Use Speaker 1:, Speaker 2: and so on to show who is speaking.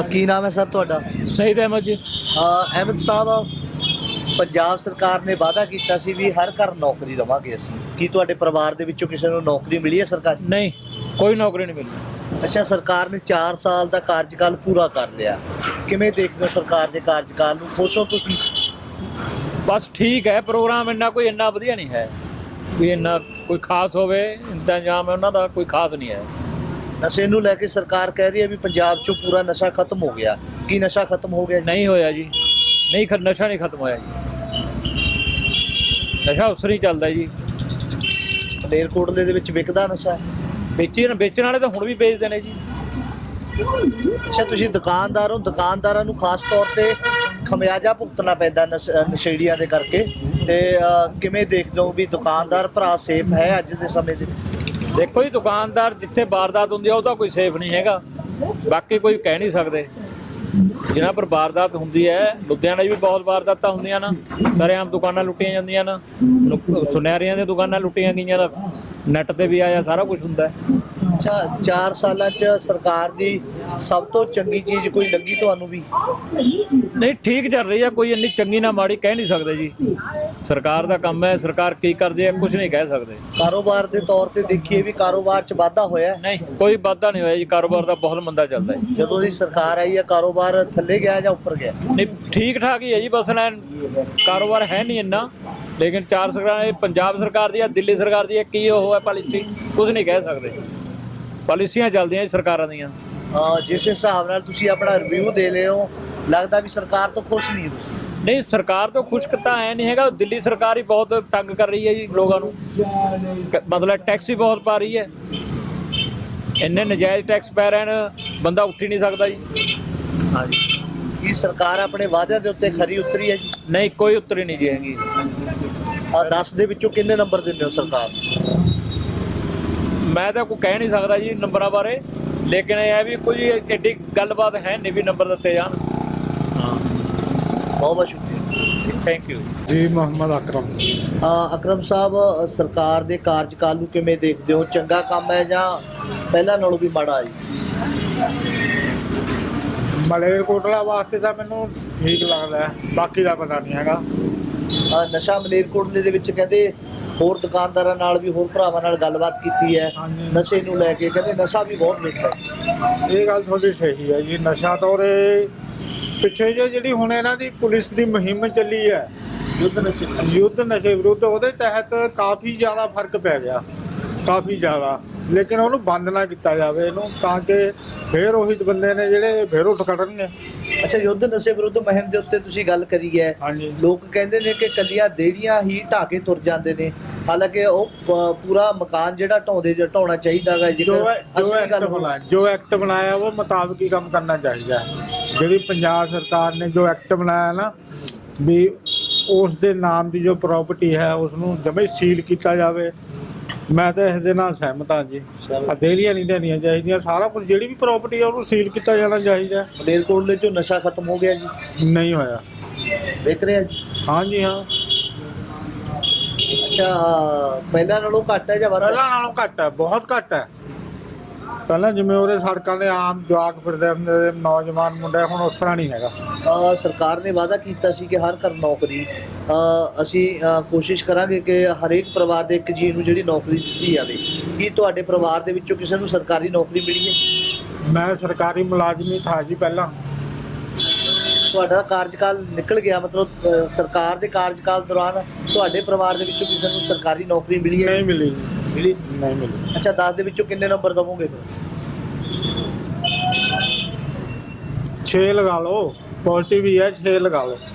Speaker 1: ਕੀ ਨਾਮ ਹੈ ਸਰ ਤੁਹਾਡਾ?
Speaker 2: ਸ਼ਹੀਦ ਅਹਿਮਦ ਜੀ।
Speaker 1: ਅਹਿਮਦ ਸਾਹਿਬ, ਪੰਜਾਬ ਸਰਕਾਰ ਨੇ ਵਾਅਦਾ ਕੀਤਾ ਸੀ ਵੀ ਹਰ ਘਰ ਨੌਕਰੀ ਦੇਵਾਂਗੇ ਅਸੀਂ। ਕੀ ਤੁਹਾਡੇ ਪਰਿਵਾਰ ਦੇ ਵਿੱਚੋਂ ਕਿਸੇ ਨੂੰ ਨੌਕਰੀ ਮਿਲੀ ਹੈ ਸਰਕਾਰੀ?
Speaker 2: ਨਹੀਂ, ਕੋਈ ਨੌਕਰੀ ਨਹੀਂ ਮਿਲੀ।
Speaker 1: ਅੱਛਾ, ਸਰਕਾਰ ਨੇ 4 ਸਾਲ ਦਾ ਕਾਰਜਕਾਲ ਪੂਰਾ ਕਰ ਲਿਆ, ਕਿਵੇਂ ਦੇਖਦੇ ਹੋ ਸਰਕਾਰ ਦੇ ਕਾਰਜਕਾਲ ਨੂੰ? ਖੁਸ਼ ਹੋ ਤੁਸੀਂ?
Speaker 2: ਬਸ ਠੀਕ ਹੈ, ਪ੍ਰੋਗਰਾਮ ਇੰਨਾ ਵਧੀਆ ਨਹੀਂ ਹੈ ਵੀ ਇੰਨਾ ਕੋਈ ਖਾਸ ਹੋਵੇ। ਇੰਤਜ਼ਾਮ ਹੈ ਉਹਨਾਂ ਦਾ ਕੋਈ ਖਾਸ ਨਹੀਂ ਹੈ।
Speaker 1: ਨਸ਼ੇ ਨੂੰ ਲੈ ਕੇ ਸਰਕਾਰ ਕਹਿ ਰਹੀ ਹੈ ਵੀ ਪੰਜਾਬ 'ਚੋਂ ਪੂਰਾ ਨਸ਼ਾ ਖਤਮ ਹੋ ਗਿਆ। ਕੀ ਨਸ਼ਾ ਖਤਮ ਹੋ ਗਿਆ ਜੀ?
Speaker 2: ਨਹੀਂ ਹੋਇਆ ਜੀ, ਨਸ਼ਾ ਨਹੀਂ ਖਤਮ ਹੋਇਆ ਜੀ। ਨਸ਼ਾ ਉਸ ਨਹੀਂ ਚੱਲਦਾ ਜੀ।
Speaker 1: ਮਲੇਰਕੋਟਲੇ ਦੇ ਵਿੱਚ ਵਿਕਦਾ ਨਸ਼ਾ?
Speaker 2: ਵੇਚਣ ਵਾਲੇ ਤਾਂ ਹੁਣ ਵੀ ਵੇਚਦੇ ਨੇ ਜੀ।
Speaker 1: ਅੱਛਾ, ਤੁਸੀਂ ਦੁਕਾਨਦਾਰ ਹੋ, ਦੁਕਾਨਦਾਰਾਂ ਨੂੰ ਖਾਸ ਤੌਰ ਤੇ ਖਮਿਆਜਾ ਭੁਗਤਣਾ ਪੈਂਦਾ ਨਸ਼ੇੜੀਆਂ ਦੇ ਕਰਕੇ, ਤੇ ਕਿਵੇਂ ਦੇਖਦੇ ਹੋ ਵੀ ਦੁਕਾਨਦਾਰ ਭਰਾ ਸੇਫ ਹੈ ਅੱਜ ਦੇ ਸਮੇਂ ਦੇ?
Speaker 2: ਦੇਖੋ ਜੀ, ਦੁਕਾਨਦਾਰ ਜਿੱਥੇ ਵਾਰਦਾਤ ਹੁੰਦੀ ਆ ਉਹ ਤਾਂ ਕੋਈ ਸੇਫ ਨਹੀਂ ਹੈਗਾ। ਬਾਕੀ ਕੋਈ ਕਹਿ ਨਹੀਂ ਸਕਦੇ। ਜਿਨ੍ਹਾਂ ਪਰ ਵਾਰਦਾਤ ਹੁੰਦੀ ਹੈ, ਲੁਧਿਆਣੇ ਵੀ ਬਹੁਤ ਵਾਰਦਾਤਾਂ ਹੁੰਦੀਆਂ ਨਾ। ਸਰੇਆਮ ਦੁਕਾਨਾਂ ਲੁੱਟੀਆਂ ਜਾਂਦੀਆਂ ਨਾ, ਸੁਨਿਆਰਿਆਂ ਦੀਆਂ ਦੁਕਾਨਾਂ ਲੁੱਟੀਆਂ ਗਈਆਂ ਨਾ, ਨੈੱਟ ਤੇ ਵੀ ਆਇਆ, ਸਾਰਾ ਕੁਝ ਹੁੰਦਾ ਹੈ।
Speaker 1: ਅੱਛਾ, 4 ਸਾਲਾਂ 'ਚ ਸਰਕਾਰ ਦੀ ਸਭ ਤੋਂ ਚੰਗੀ ਚੀਜ਼ ਕੋਈ ਲੱਗੀ ਤੁਹਾਨੂੰ ਵੀ?
Speaker 2: ਨਹੀਂ, ਠੀਕ ਚੱਲ ਰਹੀ ਹੈ, ਕੋਈ ਇੰਨੀ ਚੰਗੀ ਨਾ ਮਾੜੀ ਕਹਿ ਨਹੀਂ ਸਕਦੇ ਜੀ। ਸਰਕਾਰ ਦਾ ਕੰਮ ਹੈ, ਸਰਕਾਰ ਕੀ ਕਰਦੀ ਹੈ ਕੁਝ ਨਹੀਂ ਕਹਿ ਸਕਦੇ।
Speaker 1: ਕਾਰੋਬਾਰ ਦੇ ਤੌਰ ਤੇ ਦੇਖੀਏ ਵੀ ਕਾਰੋਬਾਰ 'ਚ ਵਾਧਾ ਹੋਇਆ?
Speaker 2: ਨਹੀਂ, ਕੋਈ ਵਾਧਾ ਨਹੀਂ ਹੋਇਆ ਜੀ। ਕਾਰੋਬਾਰ ਦਾ ਬਹੁਤ ਮੰਦਾ ਚੱਲਦਾ ਹੈ।
Speaker 1: ਜਦੋਂ ਦੀ ਸਰਕਾਰ ਆਈ ਹੈ ਕਾਰੋਬਾਰ ਥੱਲੇ ਗਿਆ ਜਾਂ ਉੱਪਰ ਗਿਆ?
Speaker 2: ਨਹੀਂ, ਠੀਕ ਠਾਕ ਹੀ ਹੈ ਜੀ। ਬਸ ਨਾ ਕਾਰੋਬਾਰ ਹੈ ਨਹੀਂ ਇੰਨਾ, ਲੇਕਿਨ 4 ਸਰਕਾਰਾਂ, ਪੰਜਾਬ ਸਰਕਾਰ ਦੀ ਹੈ, ਦਿੱਲੀ ਸਰਕਾਰ ਦੀ ਹੈ, ਕੀ ਉਹ ਹੈ ਪਾਲਿਸੀ ਕੁਝ ਨਹੀਂ ਕਹਿ ਸਕਦੇ। ਪਾਲਿਸੀਆਂ ਚੱਲਦੀਆਂ ਜੀ ਸਰਕਾਰਾਂ ਦੀਆਂ।
Speaker 1: ਜਿਸ ਹਿਸਾਬ ਨਾਲ ਤੁਸੀਂ ਆਪਣਾ ਰਿਵਿਊ ਦੇ ਰਹੇ ਹੋ, ਲੱਗਦਾ ਵੀ ਸਰਕਾਰ ਤੋਂ ਖੁਸ਼ ਨਹੀਂ ਤੁਸੀਂ?
Speaker 2: ਨਹੀਂ, ਸਰਕਾਰ ਤੋਂ ਖੁਸ਼ਕ ਤਾਂ ਐ ਨਹੀਂ ਹੈਗਾ। ਦਿੱਲੀ ਸਰਕਾਰ ਹੀ ਬਹੁਤ ਤੰਗ ਕਰ ਰਹੀ ਹੈ ਜੀ ਲੋਕਾਂ ਨੂੰ। ਮਤਲਬ ਟੈਕਸ ਹੀ ਬਹੁਤ ਪਾ ਰਹੀ ਹੈ। ਇੰਨੇ ਨਜਾਇਜ਼ ਟੈਕਸ ਪੈ ਰਹੇ ਨੇ, ਬੰਦਾ ਉੱਠ ਹੀ ਨਹੀਂ ਸਕਦਾ ਜੀ। ਹਾਂਜੀ।
Speaker 1: ਕੀ ਸਰਕਾਰ ਆਪਣੇ ਵਾਅਦਿਆਂ ਦੇ ਉੱਤੇ ਖਰੀ ਉਤਰੀ ਹੈ ਜੀ?
Speaker 2: ਨਹੀਂ, ਕੋਈ ਉਤਰੀ ਨਹੀਂ ਜੀ ਹੈਗੀ।
Speaker 1: 10 ਦੇ ਵਿੱਚੋਂ ਕਿੰਨੇ ਨੰਬਰ ਦਿੰਦੇ ਹੋ ਸਰਕਾਰ?
Speaker 2: ਮੈਂ ਤਾਂ ਕੋਈ ਕਹਿ ਨਹੀਂ ਸਕਦਾ ਜੀ ਨੰਬਰਾਂ ਬਾਰੇ, ਲੇਕਿਨ ਇਹ ਹੈ ਵੀ ਕੋਈ ਐਡੀ ਗੱਲਬਾਤ ਹੈ ਨਹੀਂ ਵੀ ਨੰਬਰ ਦਿੱਤੇ ਜਾਣ। ਹਾਂ,
Speaker 1: ਬਹੁਤ ਬਹੁਤ ਸ਼ੁਕਰੀਆ,
Speaker 2: ਥੈਂਕ ਯੂ
Speaker 3: ਜੀ। ਮੁਹੰਮਦ ਅਕਰਮ।
Speaker 1: ਅਕਰਮ ਸਾਹਿਬ, ਸਰਕਾਰ ਦੇ ਕਾਰਜਕਾਲ ਨੂੰ ਕਿਵੇਂ ਦੇਖਦੇ ਹੋ? ਚੰਗਾ ਕੰਮ ਹੈ ਜਾਂ ਪਹਿਲਾਂ ਨਾਲੋਂ ਵੀ ਮਾੜਾ ਹੈ ਜੀ?
Speaker 3: ਮਲੇਰਕੋਟਲਾ ਵਾਸਤੇ ਤਾਂ ਮੈਨੂੰ ਠੀਕ ਲੱਗਦਾ, ਬਾਕੀ ਦਾ ਪਤਾ ਨਹੀਂ ਹੈਗਾ।
Speaker 1: ਨਸ਼ਾ ਮਲੇਰਕੋਟਲੇ ਦੇ ਵਿੱਚ ਕਹਿੰਦੇ ਹੋਰ ਦੁਕਾਨਦਾਰਾਂ ਨਾਲ ਵੀ, ਹੋਰ ਭਰਾਵਾਂ ਨਾਲ ਗੱਲਬਾਤ ਕੀਤੀ ਹੈ ਨਸ਼ੇ ਨੂੰ ਲੈ ਕੇ, ਕਹਿੰਦੇ ਨਸ਼ਾ ਵੀ ਬਹੁਤ ਵਿਕਦਾ।
Speaker 3: ਇਹ ਗੱਲ ਤੁਹਾਡੀ ਸਹੀ ਹੈ ਜੀ। ਨਸ਼ਾ ਤਾਂ ਉਰੇ ਪਿੱਛੇ ਜਿਹੜੀ ਹੁਣ ਇਹਨਾਂ ਦੀ ਪੁਲਿਸ ਦੀ ਮੁਹਿੰਮ ਚੱਲੀ ਹੈ, ਯੁੱਧ ਨਸ਼ੇ ਵਿਰੁੱਧ, ਉਹਦੇ ਤਹਿਤ ਕਾਫੀ ਜ਼ਿਆਦਾ ਫਰਕ ਪੈ ਗਿਆ, ਕਾਫੀ ਜ਼ਿਆਦਾ। ਲੇਕਿਨ ਉਹਨੂੰ ਬੰਦ ਨਾ ਕੀਤਾ ਜਾਵੇ ਇਹਨੂੰ, ਤਾਂ ਕਿ ਫਿਰ ਉਹੀ ਬੰਦੇ ਨੇ ਜਿਹੜੇ ਫਿਰ ਉੱਠ ਖੜਨਗੇ।
Speaker 1: ਅੱਛਾ, ਯੁੱਧ ਨਸ਼ੇ ਵਿਰੁੱਧ ਮੁਹਿੰਮ ਦੇ ਉੱਤੇ ਤੁਸੀਂ ਗੱਲ ਕਰੀ ਹੈ। ਲੋਕ ਕਹਿੰਦੇ ਨੇ ਕਿ ਕੱਲੀਆਂ ਦੇੜੀਆਂ ਹੀ ਢਾਹ ਕੇ ਤੁਰ ਜਾਂਦੇ ਨੇ, ਹਾਲਾਂਕਿ ਉਹ ਪੂਰਾ ਮਕਾਨ ਜਿਹੜਾ ਢਾਉਣਾ ਚਾਹੀਦਾ ਹੈ।
Speaker 3: ਜੋ ਐਕਟ ਬਣਾਇਆ ਉਹ ਮੁਤਾਬਕ ਹੀ ਕੰਮ ਕਰਨਾ ਚਾਹੀਦਾ ਹੈ। ਜਿਹੜੀ ਪੰਜਾਬ ਸਰਕਾਰ ਨੇ ਜੋ ਐਕਟ ਬਣਾਇਆ ਨਾ, ਵੀ ਉਸ ਦੇ ਨਾਮ ਦੀ ਜੋ ਪ੍ਰਾਪਰਟੀ ਹੈ ਉਸ ਨੂੰ ਜਮੇ ਸੀਲ ਕੀਤਾ ਜਾਵੇ। ਮੈਂ ਤਾਂ ਇਸ ਦੇ ਨਾਲ ਸਹਿਮਤ ਹਾਂ ਜੀ। ਦੇਲੀਆਂ ਨਹੀਂ ਦੇਣੀਆਂ ਚਾਹੀਦੀਆਂ, ਸਾਰਾ ਕੁਝ ਜਿਹੜੀ ਵੀ ਪ੍ਰਾਪਰਟੀ ਹੈ ਉਹਨੂੰ ਸੀਲ ਕੀਤਾ ਜਾਣਾ ਚਾਹੀਦਾ।
Speaker 1: ਮਲੇਰਕੋਟਲੇ 'ਚੋਂ ਨਸ਼ਾ ਖਤਮ ਹੋ ਗਿਆ ਜੀ?
Speaker 3: ਨਹੀਂ ਹੋਇਆ।
Speaker 1: ਦੇਖ ਰਿਹਾ ਜੀ?
Speaker 3: ਹਾਂਜੀ ਹਾਂ।
Speaker 1: ਅੱਛਾ, ਪਹਿਲਾਂ ਨਾਲੋਂ ਘੱਟ ਹੈ ਜਾਂ ਵੱਧ?
Speaker 3: ਪਹਿਲਾਂ ਨਾਲੋਂ ਘੱਟ ਹੈ, ਬਹੁਤ ਘੱਟ ਹੈ। ਪਹਿਲਾਂ ਜਿਵੇਂ ਉਹਦੇ ਸੜਕਾਂ ਦੇ ਆਮ ਜਵਾਕ ਫਿਰਦੇ ਹੁੰਦੇ, ਨੌਜਵਾਨ ਮੁੰਡੇ, ਹੁਣ ਉਸ ਤਰ੍ਹਾਂ ਨਹੀਂ ਹੈਗਾ।
Speaker 1: ਸਰਕਾਰ ਨੇ ਵਾਅਦਾ ਕੀਤਾ ਸੀ ਕਿ ਹਰ ਘਰ ਨੌਕਰੀ। ਅਸੀਂ ਕੋਸ਼ਿਸ਼ ਕਰਾਂਗੇ ਕਿ ਹਰੇਕ ਪਰਿਵਾਰ ਦੇ ਇੱਕ ਜੀਅ ਨੂੰ ਜਿਹੜੀ ਨੌਕਰੀ ਦਿੱਤੀ ਜਾਵੇ। ਕੀ ਤੁਹਾਡੇ ਪਰਿਵਾਰ ਦੇ ਵਿੱਚੋਂ ਕਿਸੇ ਨੂੰ ਸਰਕਾਰੀ ਨੌਕਰੀ ਮਿਲੀ ਹੈ?
Speaker 3: ਮੈਂ ਸਰਕਾਰੀ ਮੁਲਾਜ਼ਮ ਹੀ ਥਾ ਜੀ ਪਹਿਲਾਂ।
Speaker 1: ਤੁਹਾਡਾ ਕਾਰਜਕਾਲ ਨਿਕਲ ਗਿਆ, ਮਤਲਬ ਸਰਕਾਰ ਦੇ ਕਾਰਜਕਾਲ ਦੌਰਾਨ ਤੁਹਾਡੇ ਪਰਿਵਾਰ ਦੇ ਵਿੱਚੋਂ ਕਿਸੇ ਨੂੰ ਸਰਕਾਰੀ ਨੌਕਰੀ ਮਿਲੀ ਹੈ?
Speaker 3: ਨਹੀਂ ਮਿਲੀ।
Speaker 1: ਮਿਲੀ
Speaker 3: ਨਹੀਂ ਮਿਲੀ।
Speaker 1: ਅੱਛਾ, 10 ਦੇ ਵਿੱਚੋਂ ਕਿੰਨੇ ਨੰਬਰ ਦਵੋਗੇ?
Speaker 3: 6 ਲਗਾ ਲਓ, ਪੋਜ਼ਿਟਿਵ ਹੀ ਹੈ, 6 ਲਗਾ ਲਓ।